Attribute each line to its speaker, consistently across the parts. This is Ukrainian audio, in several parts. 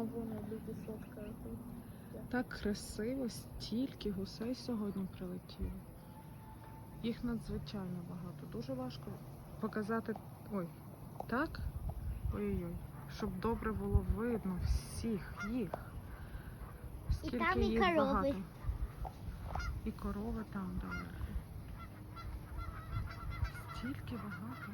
Speaker 1: вон люди сфоткають.
Speaker 2: Так красиво, стільки гусей сьогодні прилетіло. Їх надзвичайно багато. Дуже важко показати. Ой, так? Ой-ой-ой. Щоб добре було видно всіх їх. Скільки
Speaker 1: там і
Speaker 2: їх
Speaker 1: корови.
Speaker 2: багато. І корови там далеко. Стільки багато.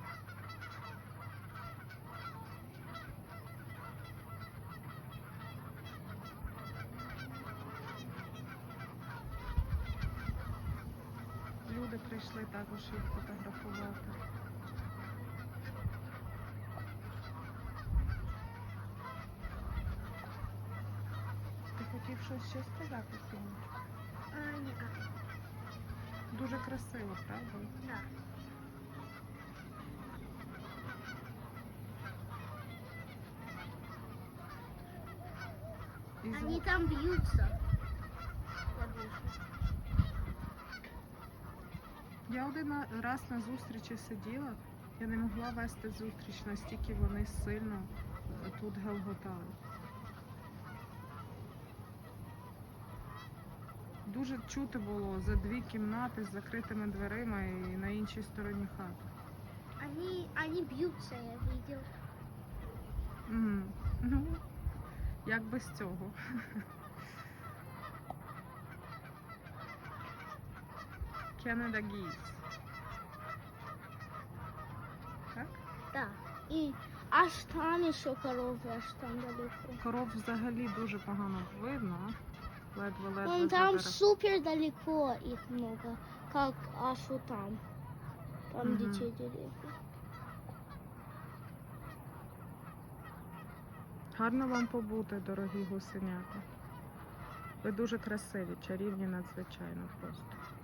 Speaker 2: Люди прийшли також їх фотографувати. Ти хотів щось ще сказати, Синочка?
Speaker 1: Ні.
Speaker 2: Дуже красиво, правда?
Speaker 1: Да.
Speaker 2: І
Speaker 1: Они там бьются.
Speaker 2: Я один раз на зустрічі сиділа, я не могла вести зустріч, настільки вони сильно тут гелготали. Дуже чути було за 2 кімнати з закритими дверима і на іншій стороні хати.
Speaker 1: Они бьются, я видел.
Speaker 2: Ну, як без цього. Canada Geese. Так?
Speaker 1: Да. И аж там еще коровы, аж там далеко.
Speaker 2: Коров взагалі дуже погано видно. Ледве-ледве
Speaker 1: Вон
Speaker 2: за
Speaker 1: там
Speaker 2: дерев.
Speaker 1: супер далеко их много, как аж вот там. Там
Speaker 2: Мгм.
Speaker 1: где те деревья.
Speaker 2: Гарно вам побути, дорогі гусенята. Ви дуже красиві, чарівні надзвичайно просто.